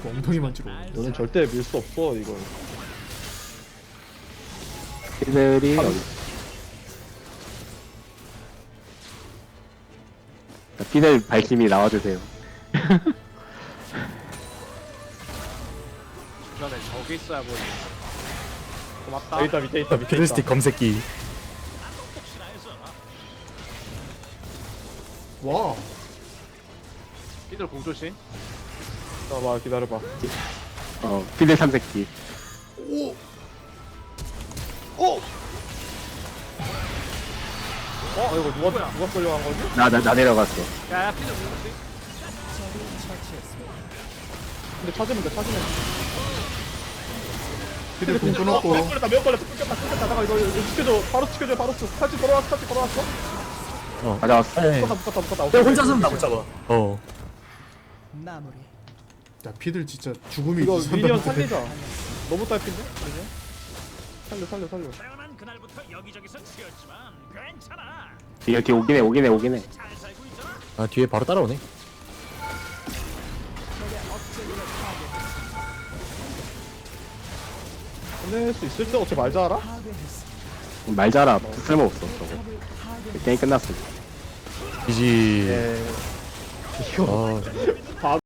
그 엉덩이만 찌르고. 너는 절대 밀 수 없어 이걸. 피들이 피들 발심이 나와주세요. 주변에 저기 있어야 보이네. 고맙다. 여기 있다 밑에 있다 밑에 있다. 피들스틱 검색기. 와. 피들 공조심. 잠깐만 기다려봐. 피들 삼색기. 오. 어 이거 누가 끌려간 거지? 나 내려갔어. 야야 피들 공조심. 근데 찾으면 돼 찾으면 돼. 피들 공 끊었고. 몇 걸렸다 끊겼다 잠깐 이거 지켜줘 바로 지켜줘 바로 탈지 돌아왔어 가져왔어. 네. 묶었다 내가 혼자서는 나못 잡아. 야 피들 진짜 죽음이 이거 이상하다. 미니언 살리자. 너무 딸핀데? 미니언? 살려 태어난 그날부터 여기저기서 치였지만 괜찮아. 뒤에 오긴 해. 잘 살고 있잖아. 아 뒤에 바로 따라오네. 보낼 수 있을 때 어째 말 잘알아? 말자라 쓸모없어 저거. 게임 끝났어. 이지. 예 아,